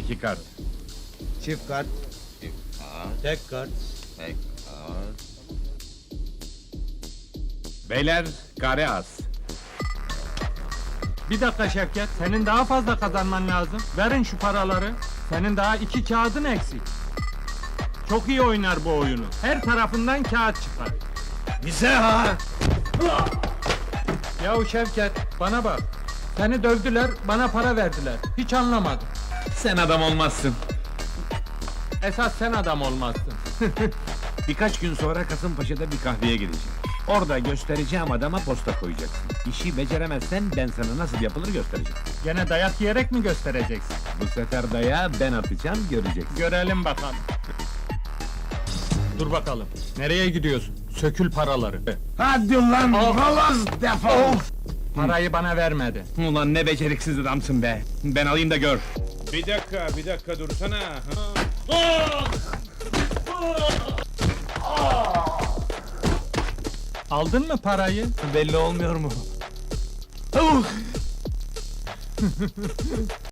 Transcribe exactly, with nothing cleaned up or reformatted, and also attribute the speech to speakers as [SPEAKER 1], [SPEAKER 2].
[SPEAKER 1] İki kart.
[SPEAKER 2] Çift kart,
[SPEAKER 3] Kart,
[SPEAKER 2] tek kart.
[SPEAKER 3] tek kart.
[SPEAKER 1] Beyler, kare az.
[SPEAKER 4] Bir dakika Şevket, senin daha fazla kazanman lazım. Verin şu paraları. Senin daha iki kağıdın eksik. Çok iyi oynar bu oyunu. Her tarafından kağıt çıkar.
[SPEAKER 2] Bize ha!
[SPEAKER 4] Yahu Şevket, bana bak. Seni dövdüler, bana para verdiler. Hiç anlamadım.
[SPEAKER 1] Sen adam olmazsın.
[SPEAKER 4] Esas sen adam olmazsın.
[SPEAKER 1] Birkaç gün sonra Kasımpaşa'da bir kahveye gideceğim. Orada göstereceğim adama posta koyacaksın. İşi beceremezsen ben sana nasıl yapılır göstereceğim.
[SPEAKER 4] Gene dayak yiyerek mi göstereceksin?
[SPEAKER 1] Bu sefer dayağı ben atacağım, göreceksin.
[SPEAKER 4] Görelim bakalım. Dur bakalım. Nereye gidiyorsun? Sökül paraları.
[SPEAKER 1] Hadi lan, halaz defol!
[SPEAKER 4] Parayı bana vermedi.
[SPEAKER 1] Ulan ne beceriksiz adamsın be! Ben alayım da gör!
[SPEAKER 5] Bir dakika, bir dakika dursana.
[SPEAKER 4] Aldın mı parayı?
[SPEAKER 1] Belli olmuyor mu?